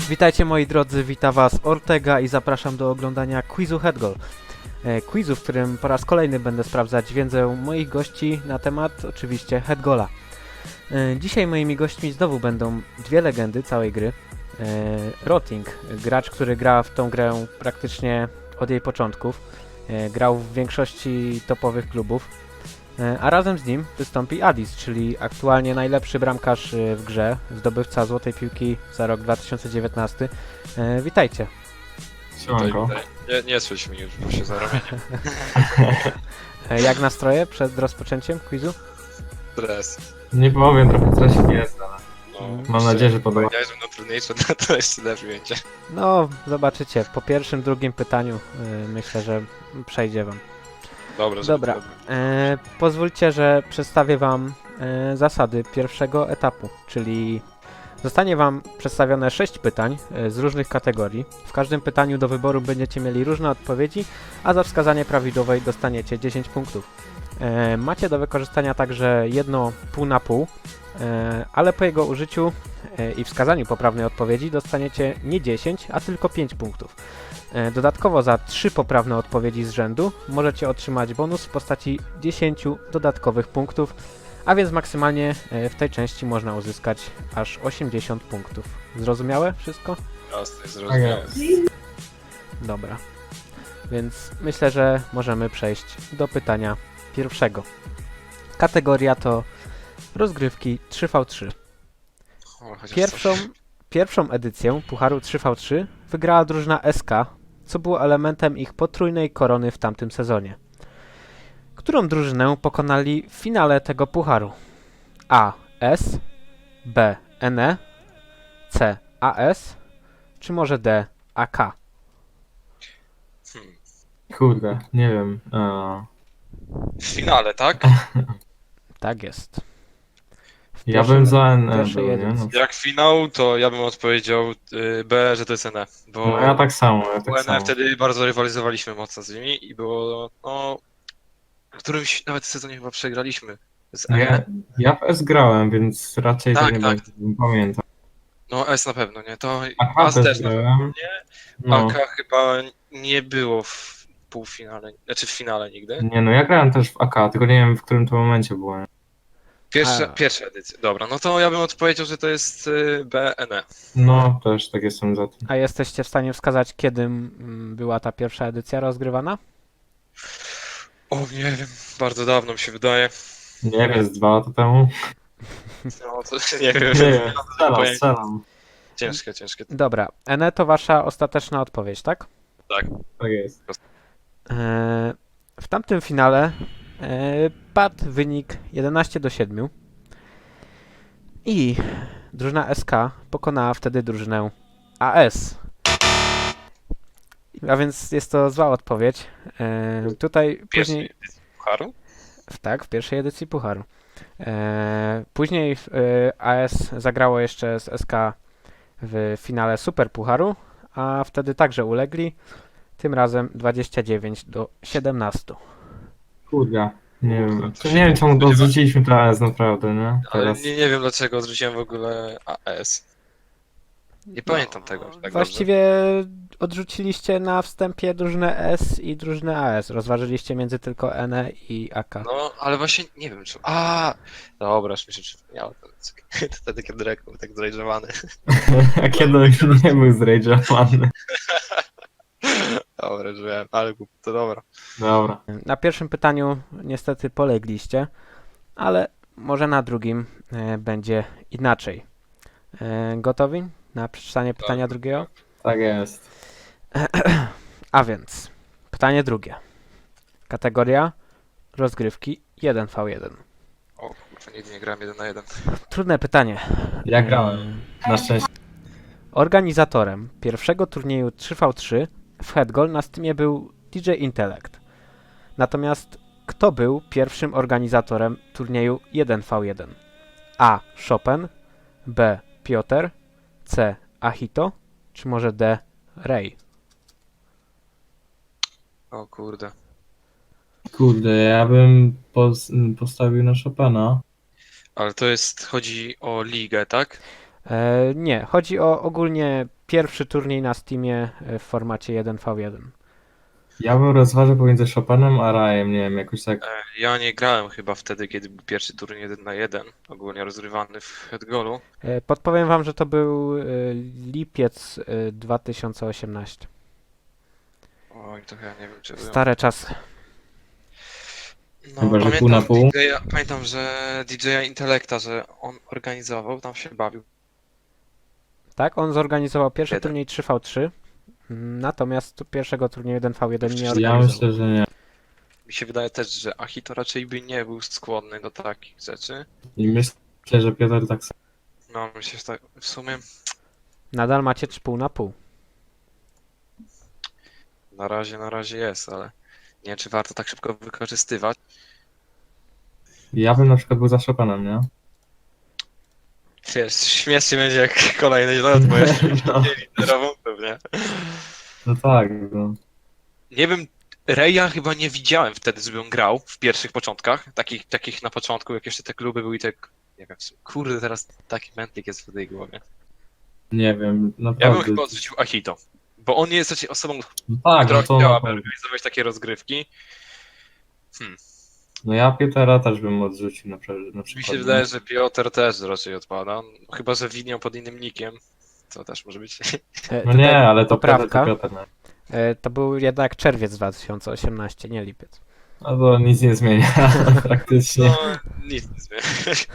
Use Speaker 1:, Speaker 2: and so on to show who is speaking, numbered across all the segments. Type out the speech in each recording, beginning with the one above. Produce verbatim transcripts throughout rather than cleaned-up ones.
Speaker 1: Witajcie moi drodzy, wita was Ortega i zapraszam do oglądania quizu Headgoal. E, quizu, w którym po raz kolejny będę sprawdzać wiedzę moich gości na temat oczywiście Headgoala. E, dzisiaj moimi gośćmi znowu będą dwie legendy całej gry. E, Rotting, gracz, który gra w tą grę praktycznie od jej początków. E, grał w większości topowych klubów. E, a razem z nim wystąpi Adis, czyli aktualnie najlepszy bramkarz e, w grze, zdobywca Złotej Piłki za rok dwa tysiące dziewiętnasty. E, witajcie.
Speaker 2: Siemanko.
Speaker 3: Nie, nie słysz mnie już, bo się zarobię.
Speaker 1: E, jak nastroje przed rozpoczęciem quizu?
Speaker 3: Stres.
Speaker 2: Nie powiem, trochę stresik jest, ale
Speaker 3: No,
Speaker 2: mam nadzieję, że podoba.
Speaker 3: Powiedziałeś, że będą trudniejsze, no to jeszcze lepiej będzie.
Speaker 1: No, zobaczycie. Po pierwszym, drugim pytaniu e, myślę, że przejdzie wam.
Speaker 3: Dobra, żeby
Speaker 1: Dobra.
Speaker 3: to-
Speaker 1: E, pozwólcie, że przedstawię wam e, zasady pierwszego etapu, czyli zostanie wam przedstawione sześć pytań e, z różnych kategorii. W każdym pytaniu do wyboru będziecie mieli różne odpowiedzi, a za wskazanie prawidłowej dostaniecie dziesięć punktów. E, macie do wykorzystania także jedno pół na pół, e, ale po jego użyciu e, i wskazaniu poprawnej odpowiedzi dostaniecie nie dziesięć, a tylko pięć punktów. E, Dodatkowo za trzy poprawne odpowiedzi z rzędu możecie otrzymać bonus w postaci dziesięć dodatkowych punktów, a więc maksymalnie e, w tej części można uzyskać aż osiemdziesiąt punktów. Zrozumiałe wszystko?
Speaker 3: Jasne,
Speaker 2: Tak
Speaker 3: zrozumiałem.
Speaker 2: jest.
Speaker 1: Dobra. Więc myślę, że możemy przejść do pytania pierwszego. Kategoria to rozgrywki trzy na trzy.
Speaker 3: O, chociaż
Speaker 1: Pierwszą,
Speaker 3: coś.
Speaker 1: pierwszą edycję Pucharu trzy na trzy wygrała drużyna S K, co było elementem ich potrójnej korony w tamtym sezonie. Którą drużynę pokonali w finale tego pucharu? A. S, B. N E, C. A S, czy może D. A K?
Speaker 3: Hmm.
Speaker 2: Kurde, nie wiem. e,
Speaker 3: W finale, tak?
Speaker 1: Tak jest. W
Speaker 2: Ja
Speaker 1: pierwszym-
Speaker 2: bym za N E
Speaker 1: pierwszej
Speaker 2: był, nie?
Speaker 1: edycji.
Speaker 2: No,
Speaker 3: Jak finał, to ja bym odpowiedział y, B, że to jest N E. Bo
Speaker 2: no ja tak samo, ja
Speaker 3: bo
Speaker 2: tak
Speaker 3: N E
Speaker 2: samo.
Speaker 3: wtedy bardzo rywalizowaliśmy mocno z nimi i było, no... W którymś nawet sezonie chyba przegraliśmy z N E.
Speaker 2: Ja, ja w S grałem, więc raczej to
Speaker 3: Tak,
Speaker 2: nie
Speaker 3: tak.
Speaker 2: będzie, nie pamiętam.
Speaker 3: No S na pewno, nie? To
Speaker 2: A
Speaker 3: A
Speaker 2: K też
Speaker 3: też na pewno,
Speaker 2: grałem.
Speaker 3: nie?
Speaker 2: No,
Speaker 3: A K chyba nie było w półfinale, znaczy w finale nigdy.
Speaker 2: nie no, ja grałem też w A K, tylko nie wiem w którym to momencie było. nie?
Speaker 3: Pierwsza,
Speaker 1: A.
Speaker 3: pierwsza edycja, dobra, no to ja bym odpowiedział, że to jest y, B N E.
Speaker 2: No, też tak jestem za tym.
Speaker 1: A jesteście w stanie wskazać, kiedy mm, była ta pierwsza edycja rozgrywana?
Speaker 3: O, nie wiem, bardzo dawno mi się wydaje.
Speaker 2: Nie wiem, z dwa lata temu.
Speaker 3: No to nie wiem,
Speaker 2: Nie wiem, strzelam,
Speaker 3: pojęcia.
Speaker 2: strzelam.
Speaker 3: ciężkie, ciężkie.
Speaker 1: Dobra, N E to wasza ostateczna odpowiedź, tak?
Speaker 2: Tak jest.
Speaker 1: Eee, w tamtym finale eee, padł wynik jedenaście do siedmiu i drużyna S K pokonała wtedy drużynę A S. A więc jest to zła odpowiedź. Eee, tutaj
Speaker 3: Pierwszy
Speaker 1: później,
Speaker 3: Pucharu?
Speaker 1: w- tak, w pierwszej edycji Pucharu. Eee, później eee, A S zagrało jeszcze z S K w finale Super Pucharu, a wtedy także ulegli. Tym razem dwadzieścia dziewięć do siedemnastu.
Speaker 2: Kurde, nie wiem.
Speaker 3: Kurde,
Speaker 2: To nie wiem czemu to odrzuciliśmy to A S naprawdę, nie?
Speaker 3: Ale
Speaker 2: Teraz.
Speaker 3: nie, nie wiem dlaczego odrzuciłem w ogóle A S. Nie pamiętam tego aż tak
Speaker 1: Właściwie odrzuciliście na wstępie drużynę S i drużynę A S. Rozważyliście między tylko N E i A K.
Speaker 3: dobrze. No, ale właśnie nie wiem czy... A, dobra, już mi się przypomniało. To wtedy, kiedy Drake był tak zrejdżowany.
Speaker 2: A kiedy on nie był zrage'owany.
Speaker 3: Dobra, że wiem, ale głup, to dobra.
Speaker 2: Dobra.
Speaker 1: Na pierwszym pytaniu niestety polegliście, ale może na drugim e, będzie inaczej. E, gotowi na przeczytanie pytania drugiego?
Speaker 2: Tak jest.
Speaker 1: A więc, pytanie drugie. Kategoria rozgrywki jeden na jeden.
Speaker 3: O kurwa, nigdy nie grałem jeden na jeden.
Speaker 1: Trudne pytanie.
Speaker 2: Ja grałem. Na szczęście.
Speaker 1: Organizatorem pierwszego turnieju trzy na trzy w Headgoal na Steamie był D J Intellect. Natomiast kto był pierwszym organizatorem turnieju jeden na jeden? A. Chopin, B. Piotr, C. Ahito, czy może D. Ray?
Speaker 3: O kurde.
Speaker 2: Kurde, ja bym pos postawił na Chopina.
Speaker 3: Ale to jest, chodzi o ligę, tak?
Speaker 1: E, nie, chodzi o ogólnie pierwszy turniej na Steamie e, w formacie jeden na jeden.
Speaker 2: Ja bym rozważył pomiędzy Chopinem a Rajem, nie wiem, jakoś tak.
Speaker 3: E, Ja nie grałem chyba wtedy, kiedy był pierwszy turniej jeden na jeden, ogólnie rozgrywany w Headgolu.
Speaker 1: E, Podpowiem wam, że to był e, lipiec e, dwa tysiące osiemnasty.
Speaker 3: Oj, to ja nie wiem, czy byłem.
Speaker 1: Stare czasy.
Speaker 3: No,
Speaker 2: Chyba, że
Speaker 3: pamiętam,
Speaker 2: pół na pół.
Speaker 3: D J, pamiętam, że D J Intelekta, że on organizował, tam się bawił.
Speaker 1: Tak, on zorganizował pierwszy
Speaker 3: Jeden.
Speaker 1: turniej trzy na trzy, mm, natomiast pierwszego turnieju jeden na jeden nie
Speaker 2: Ja
Speaker 1: organizował.
Speaker 2: myślę, że nie.
Speaker 3: Mi się wydaje też, że Achito raczej by nie był skłonny do takich rzeczy.
Speaker 2: I myślę, że Piotr tak samo.
Speaker 3: No, myślę, że tak, w sumie
Speaker 1: Nadal macie trzy pół na pół.
Speaker 3: na razie, na razie jest, ale nie wiem, czy warto tak szybko wykorzystywać.
Speaker 2: Ja bym na przykład był za Chopinem, nie?
Speaker 3: Wiesz, śmiesznie będzie jak kolejny lot, bo jeszcze
Speaker 2: No.
Speaker 3: nie literową pewnie.
Speaker 2: No tak, no.
Speaker 3: Nie wiem, Reja chyba nie widziałem wtedy, żeby on grał w pierwszych początkach, takich, takich na początku, jak jeszcze te kluby były i tak, nie wiem, kurde, teraz taki mętlik jest w tej głowie.
Speaker 2: Nie wiem,
Speaker 3: Ja bym
Speaker 2: naprawdę.
Speaker 3: chyba odrzucił Achito, bo on jest raczej osobą,
Speaker 2: No tak,
Speaker 3: która
Speaker 2: no to
Speaker 3: chciała
Speaker 2: na pewno.
Speaker 3: organizować takie rozgrywki. Hmm.
Speaker 2: No ja Piotra też bym odrzucił na, prze- na
Speaker 3: Mi
Speaker 2: przykład.
Speaker 3: się
Speaker 2: nie?
Speaker 3: wydaje, że Piotr też raczej odpada, chyba że widniał pod innym nickiem, co też może być.
Speaker 1: E,
Speaker 2: No
Speaker 1: tutaj
Speaker 2: nie, ale to Piotr,
Speaker 1: poprawka.
Speaker 2: to Piotr, nie?
Speaker 1: E, To był jednak czerwiec dwa tysiące osiemnasty, nie lipiec.
Speaker 2: No to nic nie zmienia praktycznie.
Speaker 3: No, nic nie zmienia.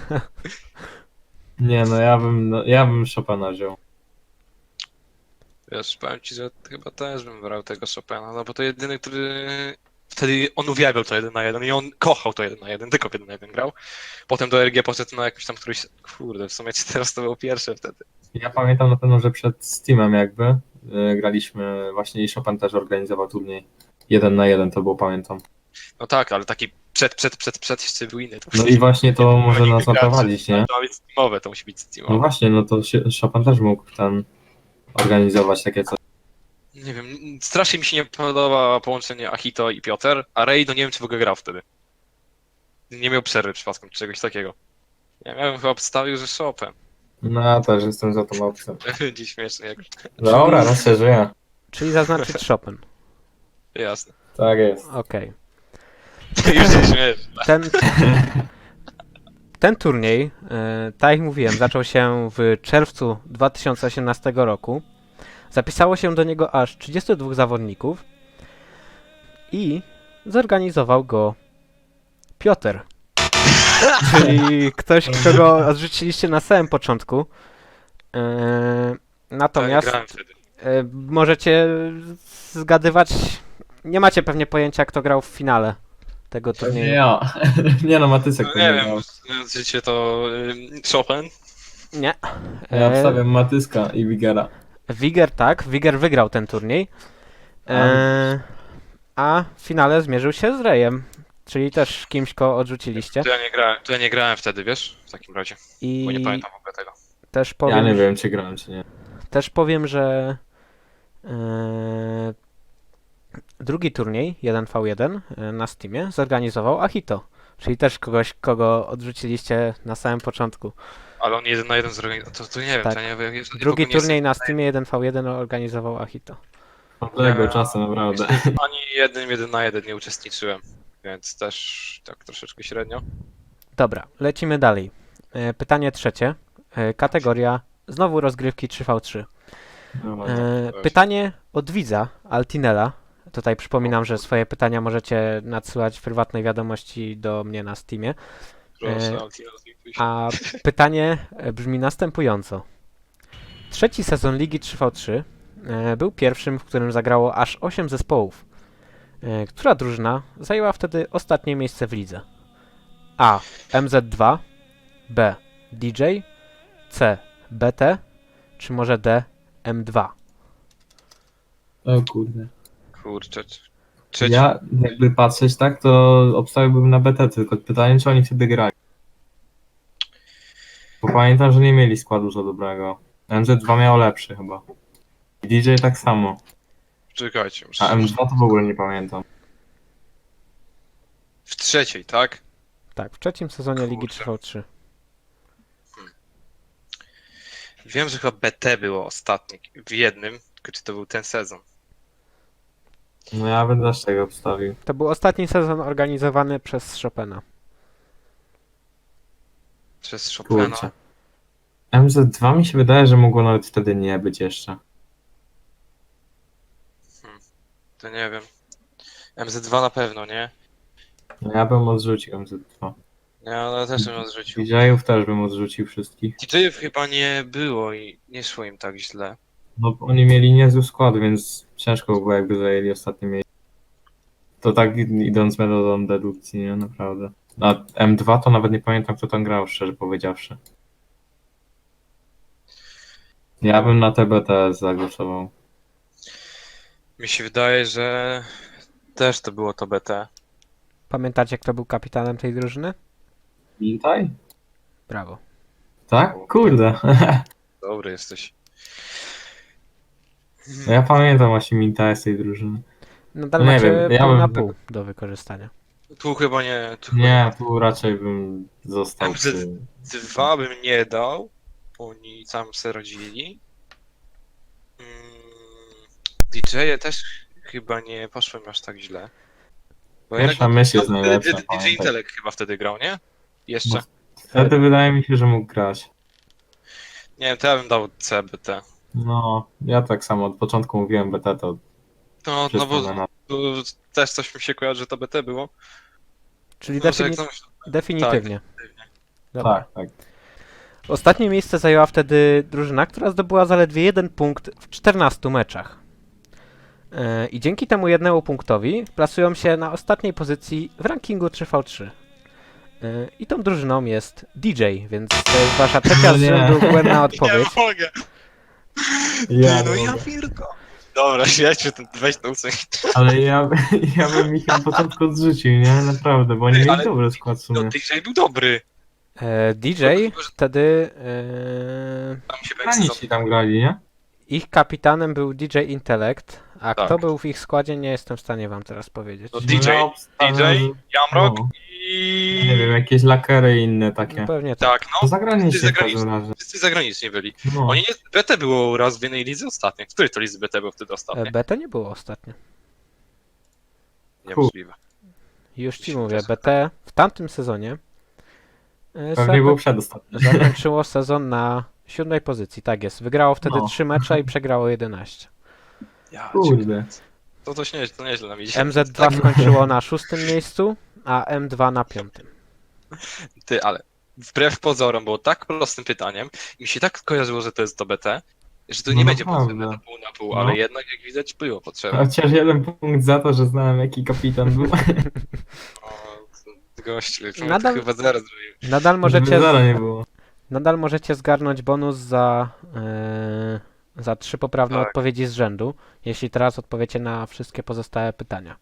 Speaker 2: Nie, no ja bym, no, ja bym Chopina wziął.
Speaker 3: Wiesz, powiem ci, że chyba też bym brał tego Chopina, no bo to jedyny, który... Wtedy on uwielbiał to jeden na jeden i on kochał to jeden na jeden, tylko w jeden na jeden grał. Potem do R G poszedł na jakiś tam któryś... Kurde, w sumie teraz to było pierwsze wtedy.
Speaker 2: Ja pamiętam na pewno, że przed Steamem jakby y, graliśmy, właśnie i Chopin też organizował turniej. Jeden na jeden to było, pamiętam.
Speaker 3: No tak, ale taki przed, przed, przed, przed jeszcze był inny. To
Speaker 2: No i właśnie to może
Speaker 3: powinni
Speaker 2: nas
Speaker 3: wygrać.
Speaker 2: naprowadzić, nie?
Speaker 3: To ma być steamowe, to musi być
Speaker 2: No
Speaker 3: steamowe.
Speaker 2: właśnie, no to się- Chopin też mógł ten organizować takie coś.
Speaker 3: Nie wiem, strasznie mi się nie podoba połączenie Achito i Piotr, a Ray, no nie wiem, czy w ogóle grał wtedy. Nie miał przerwy przypadkiem, czy czegoś takiego. Ja bym chyba obstawił, że Chopin.
Speaker 2: No ja też jestem za tą opcją.
Speaker 3: Będzie śmiesznie, jak...
Speaker 2: Dobra, no szczerze, ja.
Speaker 1: Czyli zaznaczyć Chopin.
Speaker 3: Jasne.
Speaker 2: Tak jest.
Speaker 1: Okej.
Speaker 3: Już się śmiesz.
Speaker 1: Ten, ten turniej, e, tak jak mówiłem, zaczął się w czerwcu dwa tysiące osiemnastego roku. Zapisało się do niego aż trzydziestu dwóch zawodników i zorganizował go Piotr. Czyli ktoś, kogo odrzuciliście na samym początku. E, natomiast
Speaker 3: Tak, grałem wtedy.
Speaker 1: e, możecie zgadywać, nie macie pewnie pojęcia, kto grał w finale tego
Speaker 2: Pewnie
Speaker 1: turnieju.
Speaker 2: ja. Nie no, Matysek
Speaker 3: No
Speaker 2: to
Speaker 3: nie
Speaker 2: nie
Speaker 3: wiem,
Speaker 2: miał.
Speaker 3: znając życie to ym, Chopin.
Speaker 1: Nie.
Speaker 2: Ja
Speaker 1: E,
Speaker 2: obstawiam Matyska i Wigera.
Speaker 1: Wiger tak, Wiger wygrał ten turniej. E, a w finale zmierzył się z Rejem, czyli też kimś, kogo odrzuciliście.
Speaker 3: To ja nie grałem, to ja nie grałem wtedy, wiesz? W takim razie,
Speaker 1: I
Speaker 3: bo nie pamiętam w ogóle tego.
Speaker 1: też powiem,
Speaker 2: Ja nie wiem, czy grałem, czy nie.
Speaker 1: też powiem, że e, drugi turniej jeden na jeden e, na Steamie zorganizował Achito, czyli też kogoś, kogo odrzuciliście na samym początku.
Speaker 3: Ale on jeden na jeden zorganizował, to, to nie wiem,
Speaker 1: Tak.
Speaker 3: to ja nie wiem. ja w
Speaker 1: Drugi
Speaker 3: ogóle nie
Speaker 1: turniej na Steamie jeden na jeden organizował Achito.
Speaker 2: Tamtego
Speaker 3: Ja-
Speaker 2: czasu, naprawdę.
Speaker 3: jestem- Ani jednym jeden na jeden nie uczestniczyłem, więc też tak troszeczkę średnio.
Speaker 1: Dobra, lecimy dalej. E, Pytanie trzecie. E, Kategoria znowu rozgrywki trzy na trzy.
Speaker 2: No,
Speaker 1: E,
Speaker 3: weź.
Speaker 1: Pytanie od widza, Altinela. Tutaj przypominam, że swoje pytania możecie nadsyłać w prywatnej wiadomości do mnie na Steamie.
Speaker 3: Proszę,
Speaker 1: E,
Speaker 3: Altina, zlituj się.
Speaker 1: A pytanie e, brzmi następująco. Trzeci sezon Ligi trzy na trzy e, był pierwszym, w którym zagrało aż osiem zespołów. E, Która drużyna zajęła wtedy ostatnie miejsce w lidze? A. M Z dwa, B. D J, C. B T, czy może D. M dwa?
Speaker 2: O kurde.
Speaker 3: Kurczę. Trzeci.
Speaker 2: Ja jakby patrzeć tak, to obstawiłbym na B T, tylko pytanie, czy oni wtedy grali. Bo pamiętam, że nie mieli składu za dobrego. M Z dwa miał lepszy chyba. I D J tak samo.
Speaker 3: Czekajcie. muszę-
Speaker 2: A M dwa to w ogóle nie pamiętam.
Speaker 3: W trzeciej, tak?
Speaker 1: Tak, w trzecim sezonie Ligi
Speaker 3: Kurczę.
Speaker 1: trzy na trzy.
Speaker 3: Wiem, że chyba B T było ostatnie w jednym, tylko czy to był ten sezon?
Speaker 2: No ja bym też tego obstawił.
Speaker 1: To był ostatni sezon organizowany przez Chopina.
Speaker 3: Przez Chopina.
Speaker 2: Kurczę. M Z dwa mi się wydaje, że mogło nawet wtedy nie być jeszcze.
Speaker 3: To nie wiem. M Z dwa na pewno, nie?
Speaker 2: No ja bym odrzucił M Z dwa.
Speaker 3: Ja ale też bym odrzucił.
Speaker 2: D J-ów też bym odrzucił wszystkich.
Speaker 3: D J-ów chyba nie było i nie szło im tak źle.
Speaker 2: No bo oni mieli niezły skład, więc ciężko było jakby zajęli ostatnie miejsce. To tak idąc metodą dedukcji, nie? Naprawdę. A M dwa to nawet nie pamiętam kto tam grał, szczerze powiedziawszy. Ja bym na T B T zagłosował.
Speaker 3: Mi się wydaje, że też to było to B T.
Speaker 1: Pamiętacie, kto był kapitanem tej drużyny?
Speaker 2: Witaj?
Speaker 1: Brawo.
Speaker 2: Tak? Kurde.
Speaker 3: Dobry jesteś.
Speaker 2: No ja pamiętam właśnie Mintaja z tej drużyny.
Speaker 1: Nadal
Speaker 2: No nie
Speaker 1: macie
Speaker 2: wiem, ja
Speaker 1: pół
Speaker 2: bym
Speaker 1: na
Speaker 2: tak-
Speaker 1: pół do wykorzystania.
Speaker 3: Tu chyba nie. Tu
Speaker 2: Nie, tu raczej bym został
Speaker 3: M Z
Speaker 2: przy...
Speaker 3: Dwa bym nie dał, bo oni sam se rodzili. Mm, D J-e też chyba nie poszło mi aż tak źle. Bo
Speaker 2: Pierwsza
Speaker 3: jednak-
Speaker 2: myśl jest
Speaker 3: no,
Speaker 2: najlepsza,
Speaker 3: D J
Speaker 2: pamiętaj.
Speaker 3: Intelekt chyba wtedy grał, nie? Jeszcze.
Speaker 2: No. Wtedy wydaje mi się, że mógł grać.
Speaker 3: Nie wiem, to ja bym dał C B T.
Speaker 2: No, ja tak samo od początku mówiłem B T, to
Speaker 3: No, no
Speaker 2: wszystko
Speaker 3: bo
Speaker 2: na...
Speaker 3: bo też coś mi się kojarzy, że to B T było.
Speaker 1: Czyli
Speaker 3: No, że jak
Speaker 1: defini-
Speaker 3: zamyśl-
Speaker 1: definitywnie. Dobra.
Speaker 2: Tak, tak.
Speaker 1: Ostatnie miejsce zajęła wtedy drużyna, która zdobyła zaledwie jeden punkt w czternastu meczach. Yy, I dzięki temu jednemu punktowi plasują się na ostatniej pozycji w rankingu trzy na trzy. Yy, I tą drużyną jest D J, więc to jest wasza trzecia
Speaker 2: No
Speaker 1: z
Speaker 2: nie.
Speaker 1: rzędu błędna odpowiedź.
Speaker 3: Nie mogę.
Speaker 2: Ja,
Speaker 3: no
Speaker 2: nie
Speaker 3: ja
Speaker 2: mogę.
Speaker 3: Firko. Dobra, śledźmy ten, weź to usuń.
Speaker 2: Ale ja, ja bym ich na początku odrzucił, nie? Naprawdę, bo oni
Speaker 3: Ej,
Speaker 2: mieli
Speaker 3: ale-
Speaker 2: dobry skład w
Speaker 3: No
Speaker 2: sumie.
Speaker 3: D J był dobry.
Speaker 1: Yy, D J wtedy yy,
Speaker 3: Tam się
Speaker 2: Granici tam grali, nie?
Speaker 1: ich kapitanem był D J Intellect, a
Speaker 3: Tak.
Speaker 1: kto był w ich składzie nie jestem w stanie wam teraz powiedzieć.
Speaker 3: No D J,
Speaker 2: ja obstawiam,
Speaker 3: D J,
Speaker 2: że-
Speaker 3: Jamrock
Speaker 2: no.
Speaker 3: i...
Speaker 2: Nie wiem, jakieś lakery i inne takie.
Speaker 1: No pewnie tak.
Speaker 3: Tak,
Speaker 2: To
Speaker 3: no.
Speaker 2: zagranicznie w
Speaker 3: zagraniczni.
Speaker 2: każdym razie.
Speaker 3: Wszyscy zagraniczni byli.
Speaker 2: No.
Speaker 3: Oni nie... B T było raz w jednej lidze ostatnio. W której to lidze B T było wtedy ostatnio?
Speaker 1: E, B T nie było ostatnio.
Speaker 3: Niemożliwe.
Speaker 1: Już ci
Speaker 3: Mi się
Speaker 1: mówię,
Speaker 3: wydaje,
Speaker 1: B T w tamtym sezonie e,
Speaker 2: Pewnie
Speaker 1: zako-
Speaker 2: był przedostatni.
Speaker 1: zakończyło sezon na siódmej pozycji, tak jest. Wygrało wtedy
Speaker 2: No.
Speaker 1: trzy mecze i przegrało jedenaście.
Speaker 3: Ja,
Speaker 2: Kurde.
Speaker 3: To to nieźle, to nieźle nam idzie.
Speaker 1: M Z dwa skończyło na szóstym miejscu, a M dwa na piątym.
Speaker 3: Ty, ale wbrew pozorom było tak prostym pytaniem i mi się tak kojarzyło, że to jest to B T, że to
Speaker 2: No
Speaker 3: nie będzie
Speaker 2: naprawdę.
Speaker 3: potrzebne na pół na pół,
Speaker 2: No.
Speaker 3: ale jednak jak widać było potrzebne.
Speaker 2: Chociaż jeden punkt za to, że znałem jaki kapitan był.
Speaker 3: O, gościu,
Speaker 1: Nadal-
Speaker 3: Nadal... chyba zaraz zrobił.
Speaker 1: Nadal
Speaker 2: Żeby
Speaker 1: możecie,
Speaker 2: zera nie było.
Speaker 1: nadal możecie zgarnąć bonus za, e, za trzy poprawne
Speaker 3: Tak.
Speaker 1: odpowiedzi z rzędu, jeśli teraz odpowiecie na wszystkie pozostałe pytania.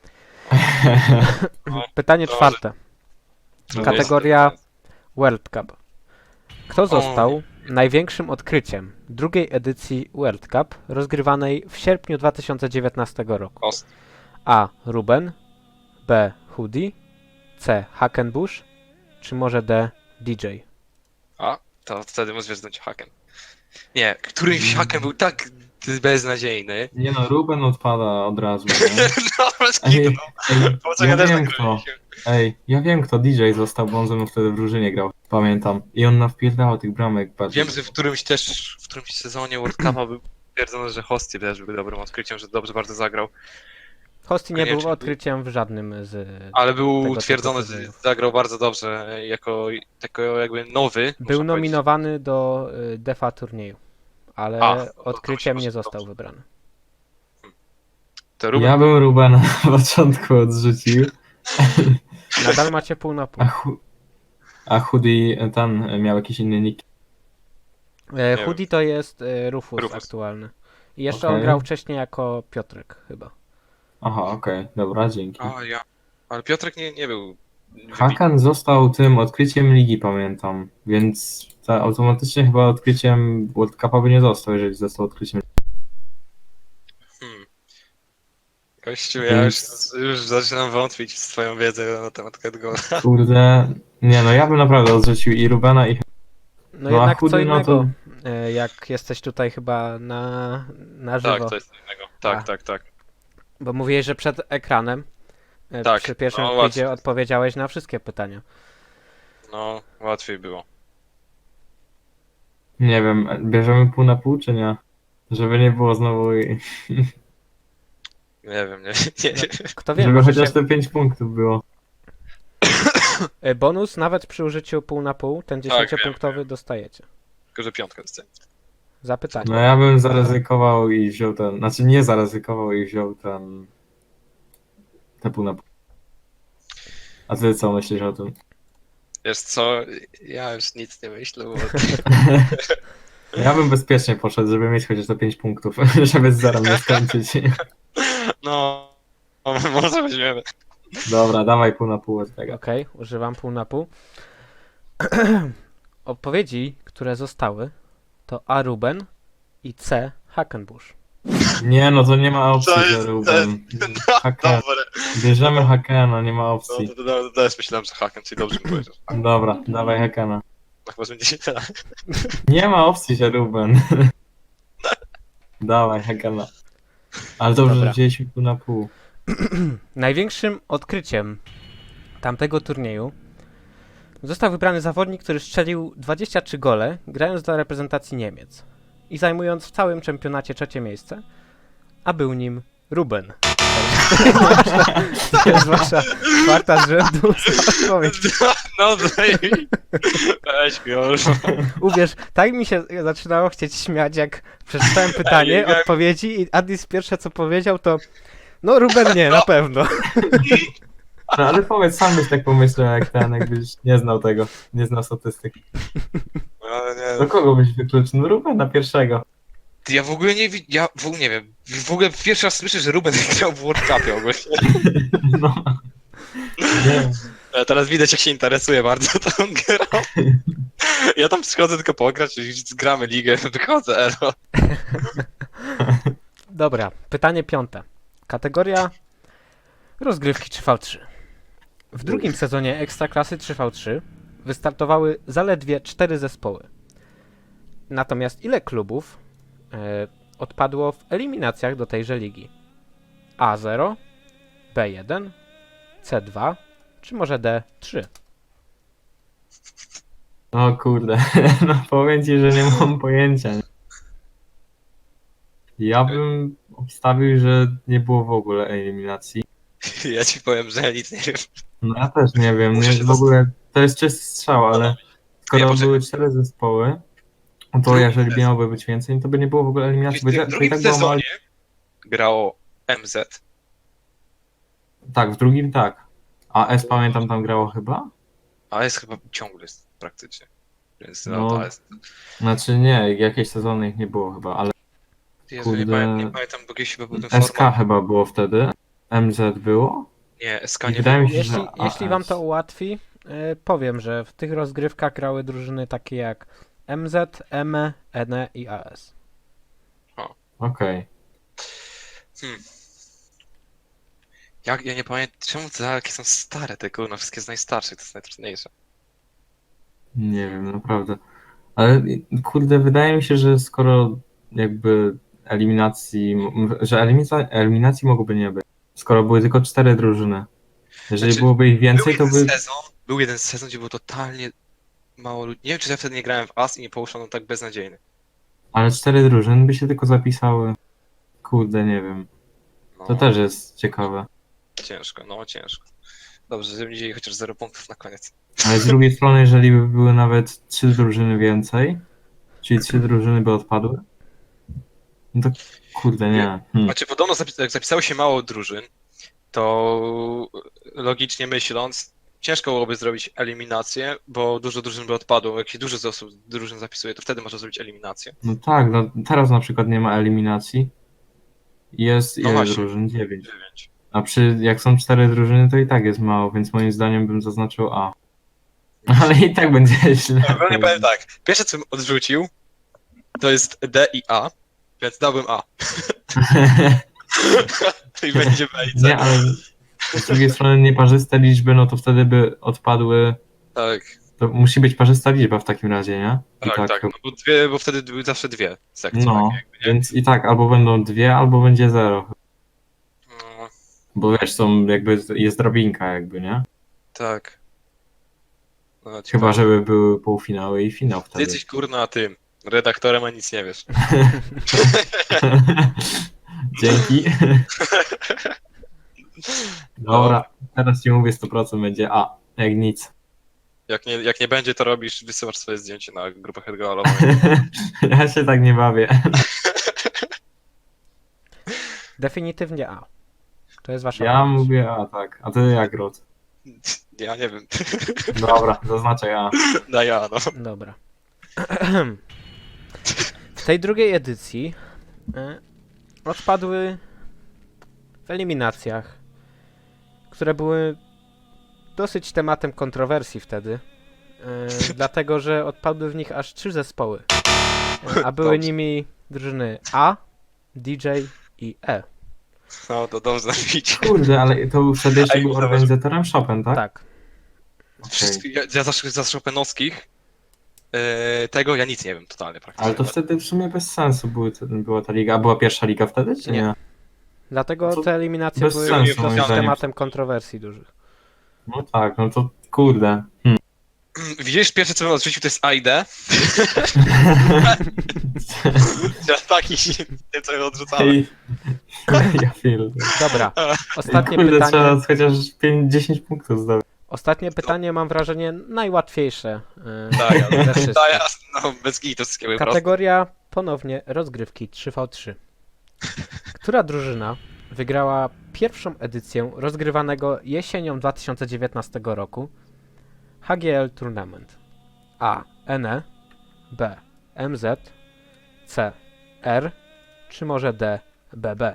Speaker 1: Pytanie
Speaker 3: Dobrze.
Speaker 1: czwarte.
Speaker 3: No
Speaker 1: Kategoria
Speaker 3: jest-
Speaker 1: World Cup. Kto został największym odkryciem drugiej edycji World Cup rozgrywanej w sierpniu dwa tysiące dziewiętnastego roku?
Speaker 3: Ost.
Speaker 1: A. Ruben, B. Hoodie, C. Hackenbush, czy może D. D J?
Speaker 3: A, to wtedy możesz wziąć hakiem. Nie, którymś hakiem był tak beznadziejny.
Speaker 2: Nie no, Ruben odpada od razu. Nie?
Speaker 3: No, bez
Speaker 2: Ej,
Speaker 3: kitu, no.
Speaker 2: ej,
Speaker 3: Poczekaj,
Speaker 2: ja
Speaker 3: też
Speaker 2: wiem
Speaker 3: tak
Speaker 2: kto.
Speaker 3: robiliśmy.
Speaker 2: Ej, ja wiem kto D J został, bo on ze mną wtedy w drużynie grał. Pamiętam. I on nawpierdał tych bramek bardziej.
Speaker 3: Wiem, że w którymś też, w którymś sezonie World Cupa był stwierdzone, że Hosty też był dobrym odkryciem, że dobrze bardzo zagrał.
Speaker 1: Hosty nie był
Speaker 3: Koniecznie.
Speaker 1: odkryciem w żadnym z...
Speaker 3: Ale był
Speaker 1: Tego typu
Speaker 3: utwierdzony, że
Speaker 1: sezonów.
Speaker 3: zagrał bardzo dobrze jako, jako jakby nowy.
Speaker 1: Był
Speaker 3: można
Speaker 1: nominowany do y, defa turnieju, ale
Speaker 3: A, to- to
Speaker 1: odkryciem
Speaker 3: się
Speaker 1: nie
Speaker 3: dobrze.
Speaker 1: został wybrany.
Speaker 3: powiedzieć. To Ruben,
Speaker 2: Ja bym Rubena na początku odrzucił.
Speaker 1: Nadal macie pół na pół.
Speaker 2: A, hu... A Hoodie ten miał jakiś inny nick.
Speaker 1: E,
Speaker 3: wiem.
Speaker 1: Hoodie to jest e, Rufus,
Speaker 3: Rufus.
Speaker 1: aktualny. I jeszcze
Speaker 2: Okej.
Speaker 1: on grał wcześniej jako Piotrek chyba.
Speaker 2: Aha, okej, dobra, dzięki.
Speaker 3: A ja. Ale Piotrek nie, nie był. wybitny.
Speaker 2: Hakan został tym odkryciem ligi, pamiętam, więc ta, automatycznie chyba odkryciem World Cupa by nie został, jeżeli został odkryciem.
Speaker 3: Hmm. Kościół, ja już, już zaczynam wątpić w twoją wiedzę na temat Catgola.
Speaker 2: Kurde, nie no, ja bym naprawdę odrzucił i Rubena i...
Speaker 1: No,
Speaker 2: No, a
Speaker 1: jednak co
Speaker 2: Hoodie, no
Speaker 1: innego.
Speaker 2: to-
Speaker 1: e, jak jesteś tutaj chyba na, na żywo.
Speaker 3: Tak, to jest co innego. Tak,
Speaker 1: A.
Speaker 3: tak, tak.
Speaker 1: Bo mówiłeś, że przed ekranem e,
Speaker 3: Tak,
Speaker 1: przy pierwszym
Speaker 3: no,
Speaker 1: quizie
Speaker 3: łatwiej.
Speaker 1: odpowiedziałeś na wszystkie pytania.
Speaker 3: No, łatwiej było.
Speaker 2: Nie wiem, bierzemy pół na pół, czy nie? Żeby nie było znowu...
Speaker 3: Nie wiem, nie, nie, nie.
Speaker 1: Kto wie,
Speaker 2: Żeby
Speaker 1: może
Speaker 2: chociaż
Speaker 1: się...
Speaker 2: te pięć punktów było.
Speaker 1: e, bonus nawet przy użyciu pół na pół, ten
Speaker 3: wiem,
Speaker 1: dziesięciopunktowy dostajecie.
Speaker 3: Tylko, że piątka jest.
Speaker 1: Za pytanie.
Speaker 2: No ja bym zaryzykował i wziął ten... Znaczy nie zaryzykował i wziął ten... Te pół na pół. A ty co myślisz o tym?
Speaker 3: Wiesz co, ja już nic nie myślę, bo...
Speaker 2: Ja bym bezpiecznie poszedł, żeby mieć chociaż te pięć punktów, żeby z zerem nie skończyć.
Speaker 3: No, może weźmiemy.
Speaker 2: Dobra, dawaj pół na pół od tego.
Speaker 1: Okej, używam pół na pół. Odpowiedzi, które zostały, to A. Ruben i C. Hackenbush.
Speaker 2: Nie no, to nie ma opcji,
Speaker 3: To jest-
Speaker 2: że
Speaker 3: to
Speaker 2: Ruben. Haken.
Speaker 3: Dobre.
Speaker 2: Bierzemy Hakena, nie ma
Speaker 3: No,
Speaker 2: opcji.
Speaker 3: to, to, to też myślałem, że haken, czyli dobrze mi powiedział.
Speaker 2: Dobra, dawaj Hakena.
Speaker 3: Tak może będzie tak.
Speaker 2: Nie ma opcji, że Ruben. Dawaj Hakena. Ale dobrze,
Speaker 1: Dobra.
Speaker 2: że wzięliśmy pół na pół.
Speaker 1: Największym odkryciem tamtego turnieju został wybrany zawodnik, który strzelił dwadzieścia trzy gole, grając dla reprezentacji Niemiec i zajmując w całym czempionacie trzecie miejsce, a był nim Ruben. To jest wasza czwarta z rzędu odpowiedź.
Speaker 3: No, daj mi. Weź już.
Speaker 1: Uwierz, tak mi się zaczynało chcieć śmiać, jak przeczytałem pytanie,
Speaker 3: jak-
Speaker 1: odpowiedzi i Adis pierwsze co powiedział to no Ruben nie, na pewno.
Speaker 2: No ale powiedz, sam byś tak pomyślał jak ten, jakbyś nie znał tego, nie znał statystyk.
Speaker 3: No, nie,
Speaker 2: Do kogo byś wykluczył? No Rubena pierwszego.
Speaker 3: Ty, ja w ogóle nie wi- ja w ogóle nie wiem. W ogóle pierwszy raz słyszę, że Ruben grał w World Cupie ogólnie.
Speaker 2: No. Nie.
Speaker 3: Ale teraz widać, jak się interesuje bardzo tą grą. Ja tam przychodzę tylko pograć, i zgramy ligę, wychodzę, elo.
Speaker 1: Dobra, pytanie piąte. Kategoria rozgrywki trzy na trzy. W drugim sezonie Ekstraklasy trzy na trzy wystartowały zaledwie cztery zespoły. Natomiast ile klubów e, odpadło w eliminacjach do tejże ligi? A zero, B jeden, C dwa, czy może D trzy?
Speaker 2: O kurde, no powiem ci, że nie mam pojęcia. Ja bym obstawił, że nie było w ogóle eliminacji.
Speaker 3: Ja ci powiem, że ja nic nie wiem.
Speaker 2: No ja też nie wiem,
Speaker 3: Muszę
Speaker 2: nie,
Speaker 3: się
Speaker 2: w ogóle to jest czysty strzał, ale
Speaker 3: Nie,
Speaker 2: skoro
Speaker 3: poczekaj.
Speaker 2: były cztery zespoły, no to
Speaker 3: Drugi
Speaker 2: jeżeli
Speaker 3: sezon.
Speaker 2: miałoby być więcej, to by nie było w ogóle eliminacji. Bo i
Speaker 3: W
Speaker 2: tak- to i
Speaker 3: drugim
Speaker 2: tak było mało...
Speaker 3: sezonie grało M Z.
Speaker 2: Tak, w drugim tak. A S pamiętam tam grało chyba?
Speaker 3: A jest chyba ciągle jest praktycznie. Więc no,
Speaker 2: No.
Speaker 3: to jest.
Speaker 2: Znaczy nie, jakieś sezony ich nie było chyba, ale
Speaker 3: Jezu, nie,
Speaker 2: kurde.
Speaker 3: pamiętam, nie pamiętam, bo kiedyś chyba był ten
Speaker 2: S K
Speaker 3: format.
Speaker 2: chyba było wtedy, M Z było.
Speaker 3: Nie, S K
Speaker 2: I
Speaker 3: nie
Speaker 2: wydaje
Speaker 3: było.
Speaker 2: mi się,
Speaker 1: Jeśli,
Speaker 2: że
Speaker 1: jeśli
Speaker 2: A
Speaker 1: wam
Speaker 2: S.
Speaker 1: to ułatwi, e, powiem, że w tych rozgrywkach grały drużyny takie jak M Z, M E, N E i A S.
Speaker 2: Okej.
Speaker 3: Hmm. Jak, ja nie pamiętam, czemu te jakie są stare te kurwa, wszystkie z najstarszych, to jest najtrudniejsze.
Speaker 2: Nie wiem, naprawdę. Ale kurde, wydaje mi się, że skoro jakby eliminacji, m- że eliminacji, eliminacji mogłoby nie być. Skoro były tylko cztery drużyny. Jeżeli
Speaker 3: Znaczy,
Speaker 2: byłoby ich więcej, to
Speaker 3: był
Speaker 2: by...
Speaker 3: jeden sezon, był jeden sezon, gdzie było totalnie mało ludzi. Nie wiem, czy ja wtedy nie grałem w As i nie połuszono tak beznadziejny.
Speaker 2: Ale cztery drużyny by się tylko zapisały. Kurde, nie wiem.
Speaker 3: No,
Speaker 2: To też jest ciekawe.
Speaker 3: ciężko, no ciężko. Dobrze, żebym wzięli chociaż zero punktów na koniec.
Speaker 2: Ale z drugiej strony, jeżeli by były nawet trzy drużyny więcej, czyli trzy drużyny by odpadły, no to kurde, nie. Hmm.
Speaker 3: Znaczy, podobno zapis- jak zapisało się mało drużyn, to logicznie myśląc, ciężko byłoby zrobić eliminację, bo dużo drużyn by odpadło. Jak się dużo z osób drużyn zapisuje, to wtedy można zrobić eliminację.
Speaker 2: No tak, no teraz na przykład nie ma eliminacji. Jest
Speaker 3: No
Speaker 2: ile
Speaker 3: właśnie.
Speaker 2: drużyn? Dziewięć.
Speaker 3: dziewięć.
Speaker 2: A przy, jak są cztery drużyny, to i tak jest mało, więc moim zdaniem bym zaznaczył A. Ale i tak będzie źle.
Speaker 3: Ogólnie powiem tak, pierwsze co bym odrzucił, to jest D i A, więc dałbym A. I będzie B i C.
Speaker 2: Nie, ale z drugiej strony nieparzyste liczby, no to wtedy by odpadły
Speaker 3: Tak.
Speaker 2: To musi być parzysta liczba w takim razie, nie? I
Speaker 3: Tak, tak, no bo, dwie, bo wtedy były zawsze dwie sekcje.
Speaker 2: No,
Speaker 3: takie jakby, nie?
Speaker 2: więc i tak albo będą dwie, albo będzie zero.
Speaker 3: No,
Speaker 2: Bo wiesz, są jakby, jest drabinka jakby, nie?
Speaker 3: tak. No,
Speaker 2: Chyba,
Speaker 3: ciekawe.
Speaker 2: żeby były półfinały i finał
Speaker 3: Ty
Speaker 2: wtedy.
Speaker 3: jesteś kurna tym redaktorem, a nic nie wiesz.
Speaker 2: Dzięki. Dobra, teraz ci mówię sto procent będzie A, jak nic.
Speaker 3: Jak nie, jak nie będzie, to robisz, wysyłasz swoje zdjęcie na grupę Hedgeholową.
Speaker 2: Ja się tak nie bawię.
Speaker 1: Definitywnie A. To jest wasza
Speaker 2: Ja
Speaker 1: odpowiedź.
Speaker 2: mówię A, tak. A ty jak, Rod?
Speaker 3: Ja nie wiem.
Speaker 2: Dobra, zaznaczę A.
Speaker 3: Na ja, no.
Speaker 1: Dobra. W tej drugiej edycji y, odpadły w eliminacjach, które były dosyć tematem kontrowersji wtedy, y, dlatego że odpadły w nich aż trzy zespoły, y, a były
Speaker 3: Dobrze.
Speaker 1: nimi drużyny A, D J i E.
Speaker 3: No to dobrze widzieć.
Speaker 2: Kurde, ale to wtedy jeszcze
Speaker 3: Ej,
Speaker 2: był
Speaker 3: zobacz.
Speaker 2: organizatorem Chopin, tak?
Speaker 1: Tak.
Speaker 2: Okej.
Speaker 3: Wszystkich, ja, ja za, za Chopinowskich e, tego ja nic nie wiem totalnie praktycznie.
Speaker 2: Ale to wtedy w sumie bez sensu były, te- była ta liga. A była pierwsza liga wtedy, czy
Speaker 1: Nie.
Speaker 2: nie?
Speaker 1: Dlatego
Speaker 2: To
Speaker 1: te eliminacje
Speaker 2: bez
Speaker 1: były
Speaker 3: sensu,
Speaker 1: dosyć
Speaker 3: moim
Speaker 2: zdaniem.
Speaker 1: tematem kontrowersji dużych.
Speaker 2: No tak, no to kurde. Hmm.
Speaker 3: Widzisz, pierwsze co bym odrzucił to jest A I D. Ja taki nie co ja odrzucałem.
Speaker 2: Ej, ja feel.
Speaker 1: Dobra, ostatnie
Speaker 2: Kurde,
Speaker 1: pytanie.
Speaker 2: trzeba chociaż pięć dziesięć punktów zdobyć.
Speaker 1: Ostatnie pytanie mam wrażenie najłatwiejsze yy,
Speaker 3: Tak, ale-
Speaker 1: ze wszystkich.
Speaker 3: Tak, no bez to wszystkiego po prostu.
Speaker 1: Kategoria ponownie rozgrywki trzy na trzy. Która drużyna wygrała pierwszą edycję rozgrywanego jesienią dwa tysiące dziewiętnastego roku H G L Tournament? A. N E, B. M Z, C. R, czy może D. B B?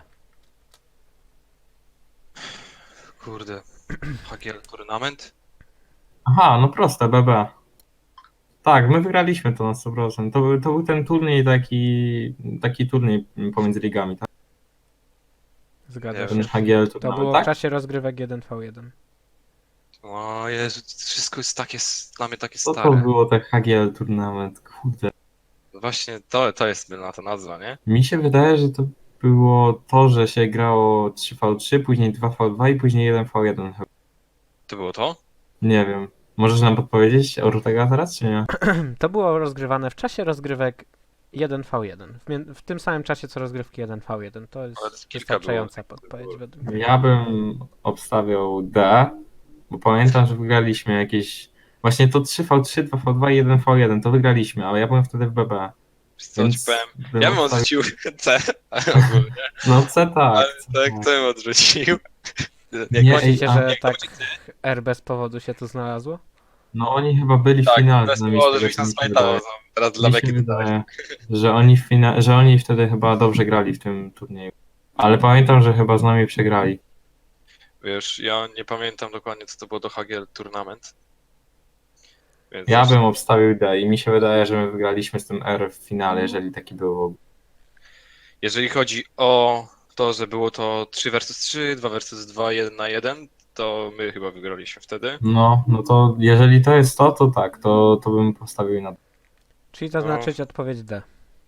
Speaker 3: Kurde. H G L Tournament?
Speaker 2: Aha, no proste, B B. Tak, my wygraliśmy to na sto procent. To, był- to był ten turniej taki, taki turniej pomiędzy ligami, tak?
Speaker 1: Zgadza
Speaker 3: Nie
Speaker 1: się.
Speaker 2: Ten H G L
Speaker 1: To
Speaker 2: tournament,
Speaker 1: było w
Speaker 2: tak?
Speaker 1: czasie rozgrywek jeden na jeden.
Speaker 3: O Jezu, wszystko jest takie, s- dla mnie takie
Speaker 2: Co to
Speaker 3: stare.
Speaker 2: było ten H G L tournament? Kurde.
Speaker 3: Właśnie to, to jest na ta nazwa, nie?
Speaker 2: Mi się wydaje, że to było to, że się grało trzy na trzy, później dwa na dwa i później jeden na jeden. chyba.
Speaker 3: To było to?
Speaker 2: Nie wiem. Możesz nam podpowiedzieć Ortega teraz, czy nie?
Speaker 1: To było rozgrywane w czasie rozgrywek jeden na jeden. W, mie- w tym samym czasie co rozgrywki jeden na jeden. To jest
Speaker 3: Ale kilka
Speaker 1: wystarczająca
Speaker 3: było.
Speaker 1: podpowiedź według mnie.
Speaker 2: Ja bym obstawiał D, bo pamiętam, że wygraliśmy jakieś... Właśnie to trzy na trzy, dwa na dwa i jeden na jeden, to wygraliśmy, ale ja byłem wtedy w B B.
Speaker 3: Wiesz Co ci
Speaker 2: Więc
Speaker 3: powiem?
Speaker 2: bym
Speaker 3: Ja bym
Speaker 2: obstawił-
Speaker 3: odrzucił C, ogólnie.
Speaker 2: No C tak.
Speaker 3: Ale
Speaker 2: C,
Speaker 3: tak,
Speaker 2: tak.
Speaker 3: to bym odrzucił.
Speaker 2: Nie,
Speaker 3: Jak
Speaker 2: ej,
Speaker 3: oni,
Speaker 1: Myślicie,
Speaker 2: a-
Speaker 1: że
Speaker 3: jak
Speaker 1: tak
Speaker 3: oni-
Speaker 1: R bez powodu się tu znalazło?
Speaker 2: No oni chyba byli w
Speaker 3: tak,
Speaker 2: finale.
Speaker 3: bez
Speaker 2: z nami,
Speaker 3: powodu,
Speaker 2: z tego,
Speaker 3: żebyś
Speaker 2: co
Speaker 3: nas
Speaker 2: mi się
Speaker 3: pamiętało.
Speaker 2: wydaje.
Speaker 3: no. Teraz dla
Speaker 2: Mi się
Speaker 3: Beki dodałeś.
Speaker 2: wydaje, że oni, w fina- że oni wtedy chyba dobrze grali w tym turnieju. Ale pamiętam, że chyba z nami przegrali.
Speaker 3: Wiesz, ja nie pamiętam dokładnie, co to było do H G L Tournament. Więc
Speaker 2: Ja
Speaker 3: wiesz,
Speaker 2: bym obstawił D i mi się wydaje, że my wygraliśmy z tym R w finale, jeżeli taki był.
Speaker 3: Jeżeli chodzi o to, że było to trzy versus trzy, dwa versus dwa, jeden na jeden, to my chyba wygraliśmy wtedy.
Speaker 2: No, no to jeżeli to jest to, to tak, to, to bym postawił na D.
Speaker 1: Czyli zaznaczyć odpowiedź D.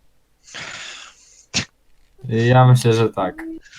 Speaker 2: Ja myślę, że tak.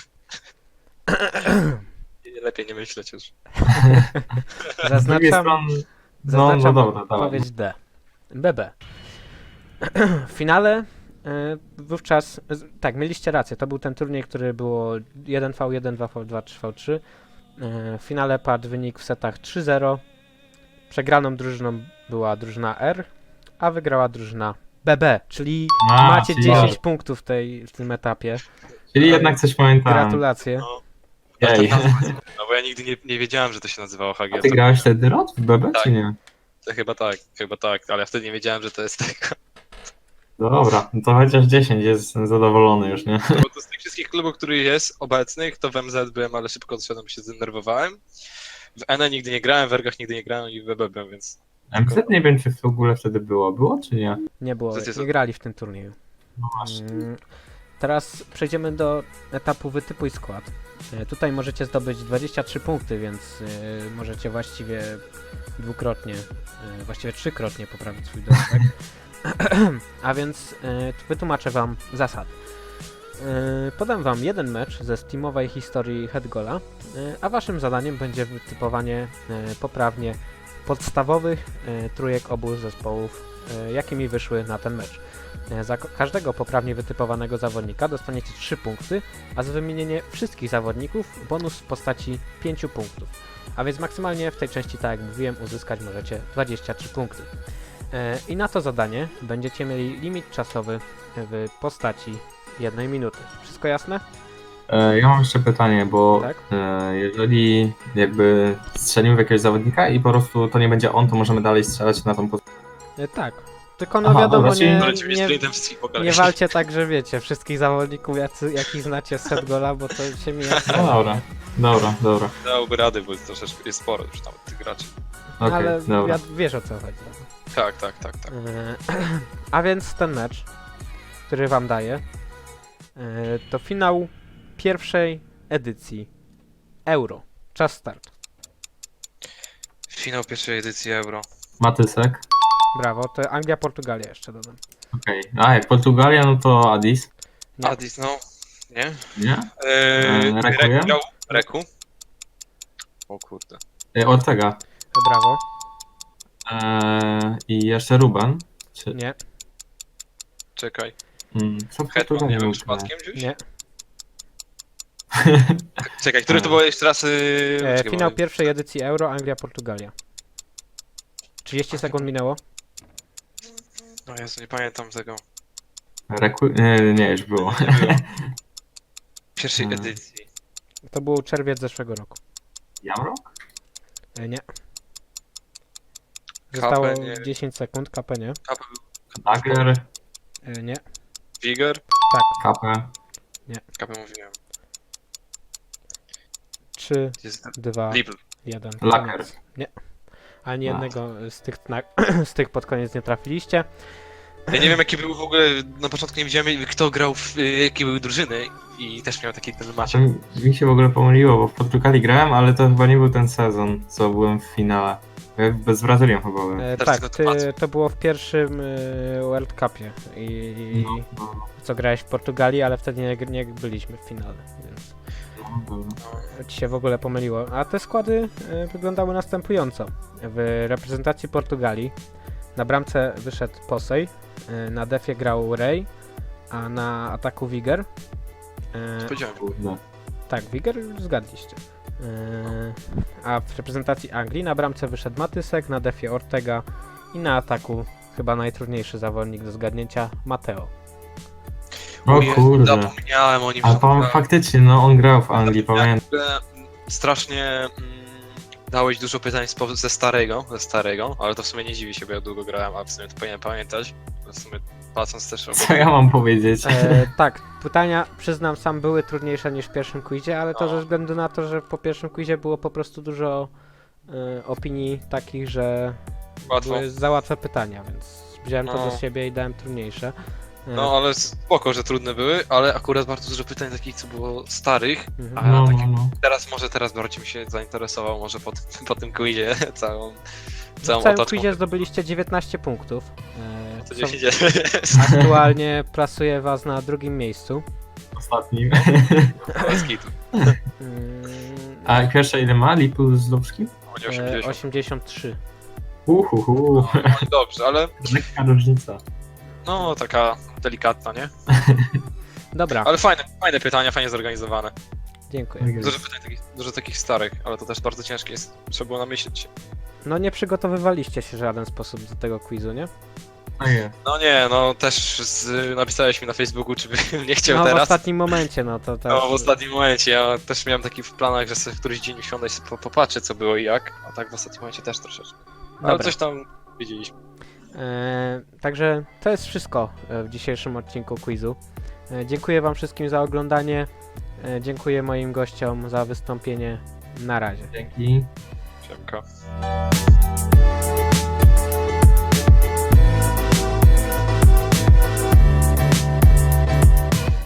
Speaker 3: Lepiej nie myśleć już.
Speaker 2: Z drugiej
Speaker 1: Zaznaczam,
Speaker 2: strony, no, no
Speaker 1: zaznaczam
Speaker 2: dobra, dawaj.
Speaker 1: odpowiedź D. B B. W finale y, wówczas, z- tak, mieliście rację, to był ten turniej, który było jeden na jeden, dwa na dwa, trzy na trzy. Y, W finale padł wynik w setach trzy zero. Przegraną drużyną była drużyna R, a wygrała drużyna B B, czyli
Speaker 2: A,
Speaker 1: macie
Speaker 2: czyli-
Speaker 1: dziesięć punktów w, tej, w tym etapie.
Speaker 2: Czyli jednak coś pamiętałem.
Speaker 1: Gratulacje.
Speaker 3: Ale
Speaker 2: Ej.
Speaker 3: tak nazwa- No bo ja nigdy nie, nie wiedziałem, że to się nazywało H G
Speaker 2: A
Speaker 3: L.
Speaker 2: ty grałeś wtedy Rod w B B,
Speaker 3: Tak.
Speaker 2: czy nie?
Speaker 3: To chyba tak, chyba tak, ale ja wtedy nie wiedziałem, że to jest tego.
Speaker 2: Dobra, no to chociaż dziesięć jest zadowolony już, nie?
Speaker 3: Bo to z tych wszystkich klubów, których jest obecnych, to w M Z byłem, ale szybko odszedłem, bo się zdenerwowałem. W N E nigdy nie grałem, w Ergach nigdy nie grałem i w B B byłem, więc
Speaker 2: M Z nie wiem, czy w ogóle wtedy było. Było, czy nie?
Speaker 1: Nie było,
Speaker 3: Co ty
Speaker 1: nie
Speaker 3: za-
Speaker 1: grali w tym turnieju.
Speaker 2: No właśnie.
Speaker 1: Mm, teraz przejdziemy do etapu wytypuj skład. E, tutaj możecie zdobyć dwadzieścia trzy punkty, więc e, możecie właściwie dwukrotnie, e, właściwie trzykrotnie poprawić swój dorobek. A więc e, wytłumaczę wam zasady. E, podam wam jeden mecz ze steamowej historii Headgoala, e, a waszym zadaniem będzie wytypowanie e, poprawnie podstawowych e, trójek obu zespołów, e, jakimi wyszły na ten mecz. E, za ko- każdego poprawnie wytypowanego zawodnika dostaniecie trzy punkty, a za wymienienie wszystkich zawodników bonus w postaci pięciu punktów. A więc maksymalnie w tej części, tak jak mówiłem, uzyskać możecie dwadzieścia trzy punkty. E, I na to zadanie będziecie mieli limit czasowy w postaci jednej minuty. Wszystko jasne?
Speaker 2: E, Ja mam jeszcze pytanie, bo
Speaker 1: Tak.
Speaker 2: e, jeżeli jakby strzelimy w jakiegoś zawodnika i po prostu to nie będzie on, to możemy dalej strzelać na tą pozycję.
Speaker 1: E, tak. Tylko no
Speaker 2: Aha,
Speaker 1: wiadomo,
Speaker 2: dobra, czyli-
Speaker 1: nie,
Speaker 3: Polecił mnie
Speaker 1: nie,
Speaker 3: sprintem wszystkich po kolei.
Speaker 1: nie walcie tak, że wiecie, wszystkich zawodników, jacy, jakich znacie z Headgoala, bo to się mija.
Speaker 2: No dobra, dobra, dobra.
Speaker 3: Dałby rady, bo jest troszeczkę jest sporo już tam tych graczy.
Speaker 2: Okej,
Speaker 1: Ale
Speaker 2: dobra.
Speaker 1: ja, wiesz o co chodzi.
Speaker 3: Tak, tak, tak, tak.
Speaker 1: E, A więc ten mecz, który wam daję, e, to finał pierwszej edycji Euro. Czas start.
Speaker 3: Finał pierwszej edycji Euro.
Speaker 2: Matysek.
Speaker 1: Brawo, to Anglia, Portugalia jeszcze dodam.
Speaker 2: Okej. A jak Portugalia, no to Addis.
Speaker 1: Nie.
Speaker 3: Addis, no. Nie?
Speaker 2: Nie?
Speaker 3: Eee,
Speaker 2: Eee, Reku, ja?
Speaker 3: Reku, grał? Reku? O kurde.
Speaker 2: E, Ortega.
Speaker 1: Brawo.
Speaker 2: E, I jeszcze Ruben. Czy,
Speaker 1: Nie,
Speaker 3: Czekaj.
Speaker 2: mm, co
Speaker 3: Hetman,
Speaker 2: Portugalia
Speaker 3: nie wiem,
Speaker 2: był
Speaker 3: przypadkiem gdzieś?
Speaker 1: nie.
Speaker 3: Czekaj, który to był jeszcze raz... Yy...
Speaker 1: E,
Speaker 3: czekaj,
Speaker 1: finał
Speaker 3: bo-
Speaker 1: pierwszej edycji Euro, Anglia, Portugalia. trzydzieści sekund minęło.
Speaker 3: No Jezu, nie pamiętam tego.
Speaker 2: Reku... Nie, nie, już było.
Speaker 3: Nie było. Pierwszej
Speaker 2: Hmm.
Speaker 3: edycji.
Speaker 1: To był czerwiec zeszłego roku.
Speaker 2: Jamrock?
Speaker 1: E, nie.
Speaker 3: Kapę,
Speaker 1: Zostało
Speaker 3: nie.
Speaker 1: dziesięć sekund, K P nie.
Speaker 3: Kapę był
Speaker 2: Dagger.
Speaker 1: E, nie.
Speaker 3: Wiger?
Speaker 1: Tak,
Speaker 2: Kapę.
Speaker 3: Kapę mówiłem.
Speaker 1: trzy,
Speaker 3: Jest
Speaker 1: dwa,
Speaker 3: Libl.
Speaker 1: jeden.
Speaker 2: Laker.
Speaker 1: Koniec. Nie. Ani
Speaker 2: A.
Speaker 1: jednego z tych, na, z tych pod koniec nie trafiliście.
Speaker 3: Ja nie wiem jaki był w ogóle, na początku nie wiedziałem kto grał, w, y, jakie były drużyny i też miał taki ten match.
Speaker 2: Znaczy, mi się w ogóle pomyliło, bo w Portugalii grałem, ale to chyba nie był ten sezon, co byłem w finale. Ja Bez Brazylią chyba byłem.
Speaker 1: E,
Speaker 3: Teraz
Speaker 1: tak,
Speaker 3: tylko
Speaker 1: ty,
Speaker 3: tłumaczę.
Speaker 1: to było w pierwszym e, World Cupie. I
Speaker 2: No, no,
Speaker 1: co grałeś w Portugalii, ale wtedy nie, nie byliśmy w finale, więc
Speaker 2: no, dobra.
Speaker 3: No,
Speaker 1: ci się w ogóle pomyliło. A te składy e, wyglądały następująco. W reprezentacji Portugalii na bramce wyszedł Posej, e, na defie grał Ray, a na ataku Wiger. E,
Speaker 3: powiedziałem.
Speaker 2: Kurde.
Speaker 1: tak, Wiger zgadliście. E, a w reprezentacji Anglii na bramce wyszedł Matysek, na defie Ortega i na ataku chyba najtrudniejszy zawodnik do zgadnięcia Mateo.
Speaker 2: O
Speaker 3: Jezu,
Speaker 2: kurde.
Speaker 3: Zapomniałem o nim.
Speaker 2: A pan
Speaker 3: zapomniałem.
Speaker 2: faktycznie, no on grał w Anglii, pamiętam.
Speaker 3: W ogóle, mm, Strasznie mm, dałeś dużo pytań spo- ze starego, ze starego, ale to w sumie nie dziwi się, bo ja długo grałem, a w sumie to powinienem pamiętać. W sumie patrząc też o...
Speaker 2: Co ja mam powiedzieć?
Speaker 1: E, tak, pytania, przyznam sam, były trudniejsze niż w pierwszym quizie, ale to
Speaker 3: No.
Speaker 1: ze względu na to, że po pierwszym quizie było po prostu dużo e, opinii takich, że
Speaker 3: Łatwo.
Speaker 1: były za łatwe pytania, więc wziąłem to
Speaker 3: No.
Speaker 1: do siebie i dałem trudniejsze. E,
Speaker 3: No ale spoko, że trudne były, ale akurat bardzo dużo pytań takich, co było starych,
Speaker 1: mhm.
Speaker 3: a
Speaker 2: No,
Speaker 3: taki
Speaker 2: no, no.
Speaker 3: teraz może teraz bardziej mi się zainteresował, może po, tym- po tym quizie całą,
Speaker 1: W
Speaker 3: całą
Speaker 1: całym
Speaker 3: otoczką.
Speaker 1: quizie zdobyliście dziewiętnaście punktów. E,
Speaker 3: Co
Speaker 1: co
Speaker 3: się dzieje?
Speaker 1: aktualnie plasuje was na drugim miejscu.
Speaker 2: Ostatnim.
Speaker 3: Bez kitu.
Speaker 1: Mm,
Speaker 2: A pierwsze ile ma? Lipu z Lubskim?
Speaker 3: Oni
Speaker 1: e,
Speaker 3: osiemdziesiąt.
Speaker 1: osiemdziesiąt trzy.
Speaker 2: Uhuhu.
Speaker 3: No i dobrze, ale
Speaker 2: Lekka różnica.
Speaker 3: no taka delikatna, nie?
Speaker 1: Dobra,
Speaker 3: Ale fajne, fajne pytania, fajnie zorganizowane.
Speaker 1: dziękuję.
Speaker 3: Dużo pytań takich, dużo takich starych, ale to też bardzo ciężkie jest. Trzeba było namyśleć się.
Speaker 1: No nie przygotowywaliście się w żaden sposób do tego quizu, nie?
Speaker 2: No jest.
Speaker 3: No nie, no też z, napisałeś mi na Facebooku, czy bym nie chciał
Speaker 1: No w
Speaker 3: teraz.
Speaker 1: ostatnim momencie, no to też...
Speaker 3: No w ostatnim momencie, ja też miałem taki w planach, że sobie w któryś dzień usiądę i sobie po- popatrzę co było i jak, a tak w ostatnim momencie też troszeczkę. Ale
Speaker 1: Dobra.
Speaker 3: coś tam wiedzieliśmy.
Speaker 1: E, także to jest wszystko e, w dzisiejszym odcinku quizu. E, dziękuję wam wszystkim za oglądanie. E, dziękuję moim gościom za wystąpienie. Na razie.
Speaker 2: Dzięki.
Speaker 3: Siemka.